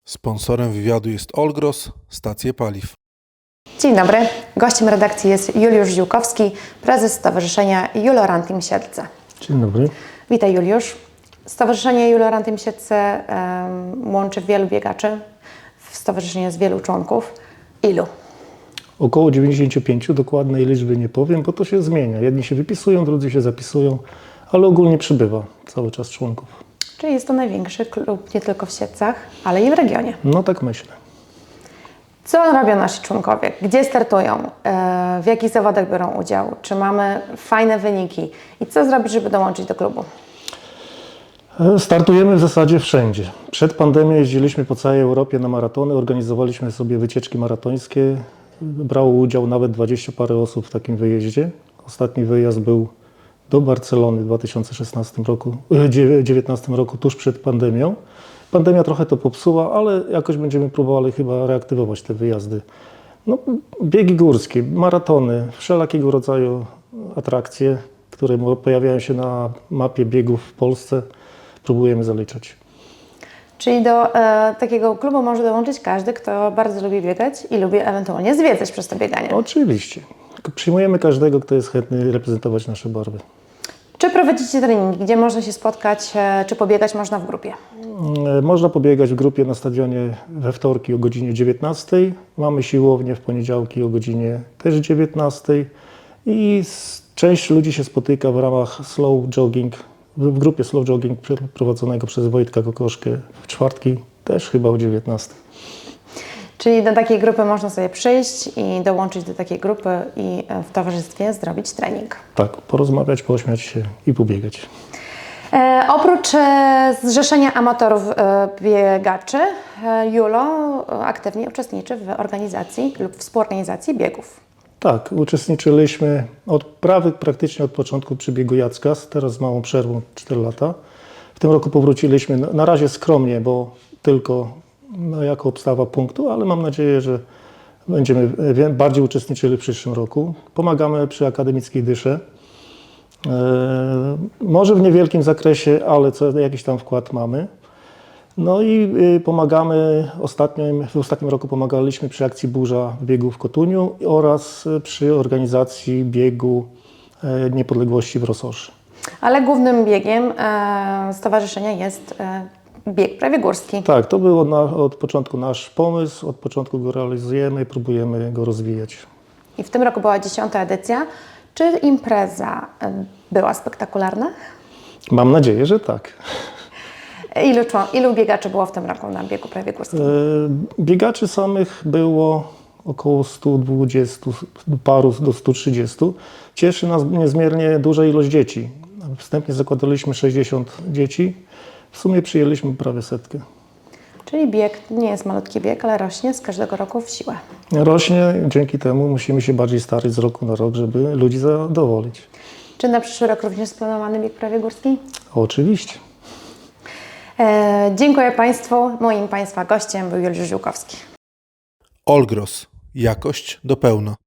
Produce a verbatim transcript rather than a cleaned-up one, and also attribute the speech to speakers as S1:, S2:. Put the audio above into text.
S1: Sponsorem wywiadu jest Olgros, stacje paliw.
S2: Dzień dobry. Gościem redakcji jest Juliusz Ziółkowski, prezes Stowarzyszenia Julorantim Siedlce.
S3: Dzień dobry.
S2: Witaj, Juliusz. Stowarzyszenie Julorantim Siedlce um, łączy wielu biegaczy. W stowarzyszeniu jest wielu członków. Ilu?
S3: Około dziewięćdziesiąt pięć, dokładnej liczby nie powiem, bo to się zmienia. Jedni się wypisują, drudzy się zapisują, ale ogólnie przybywa cały czas członków.
S2: Czyli jest to największy klub nie tylko w Siedlcach, ale i w regionie.
S3: No tak myślę.
S2: Co robią nasi członkowie? Gdzie startują? W jakich zawodach biorą udział? Czy mamy fajne wyniki? I co zrobić, żeby dołączyć do klubu?
S3: Startujemy w zasadzie wszędzie. Przed pandemią jeździliśmy po całej Europie na maratony, organizowaliśmy sobie wycieczki maratońskie. Brało udział nawet dwadzieścia parę osób w takim wyjeździe. Ostatni wyjazd był do Barcelony w dwa tysiące szesnastym roku, dziewiętnastym roku, tuż przed pandemią. Pandemia trochę to popsuła, ale jakoś będziemy próbowali chyba reaktywować te wyjazdy. No, biegi górskie, maratony, wszelakiego rodzaju atrakcje, które pojawiają się na mapie biegów w Polsce, próbujemy zaliczać.
S2: Czyli do e, takiego klubu może dołączyć każdy, kto bardzo lubi biegać i lubi ewentualnie zwiedzać przez to bieganie.
S3: Oczywiście. Przyjmujemy każdego, kto jest chętny reprezentować nasze barwy.
S2: Czy prowadzicie treningi? Gdzie można się spotkać? E, czy pobiegać można w grupie?
S3: Można pobiegać w grupie na stadionie we wtorki o godzinie dziewiętnastej. Mamy siłownię w poniedziałki o godzinie też dziewiętnastej. I część ludzi się spotyka w ramach slow jogging, w grupie slow jogging prowadzonego przez Wojtka Kokoszkę w czwartki też chyba o dziewiętnastej.
S2: Czyli do takiej grupy można sobie przyjść i dołączyć do takiej grupy i w towarzystwie zrobić trening.
S3: Tak, porozmawiać, pośmiać się i pobiegać.
S2: E, oprócz e, Zrzeszenia Amatorów e, Biegaczy, e, Julo aktywnie uczestniczy w organizacji lub współorganizacji biegów.
S3: Tak, uczestniczyliśmy od prawie praktycznie od początku przy biegu Jackas, teraz z małą przerwą cztery lata. W tym roku powróciliśmy na razie skromnie, bo tylko no, jako obstawa punktu, ale mam nadzieję, że będziemy bardziej uczestniczyli w przyszłym roku. Pomagamy przy Akademickiej Dysze. E, może w niewielkim zakresie, ale co, jakiś tam wkład mamy. No i y, pomagamy, ostatnio, w ostatnim roku pomagaliśmy przy akcji Burza w biegu w Kotuniu oraz przy organizacji biegu e, Niepodległości w Rososzy.
S2: Ale głównym biegiem e, stowarzyszenia jest e, bieg prawie górski.
S3: Tak, to był od, na, od początku nasz pomysł, od początku go realizujemy i próbujemy go rozwijać.
S2: I w tym roku była dziesiąta edycja. Czy impreza e, była spektakularna?
S3: Mam nadzieję, że tak.
S2: Ilu, ilu biegaczy było w tym roku na biegu prawie górskim?
S3: E, biegaczy samych było około stu dwudziestu, paru do stu trzydziestu. Cieszy nas niezmiernie duża ilość dzieci. Wstępnie zakładaliśmy sześćdziesiąt dzieci. W sumie przyjęliśmy prawie setkę.
S2: Czyli bieg nie jest malutki bieg, ale rośnie z każdego roku w siłę.
S3: Rośnie, dzięki temu musimy się bardziej starać z roku na rok, żeby ludzi zadowolić.
S2: Czy na przyszły rok również splanowany bieg prawie górski?
S3: Oczywiście.
S2: E, dziękuję Państwu. Moim Państwa gościem był Juliusz Ziółkowski.
S1: Olgros, jakość do pełna.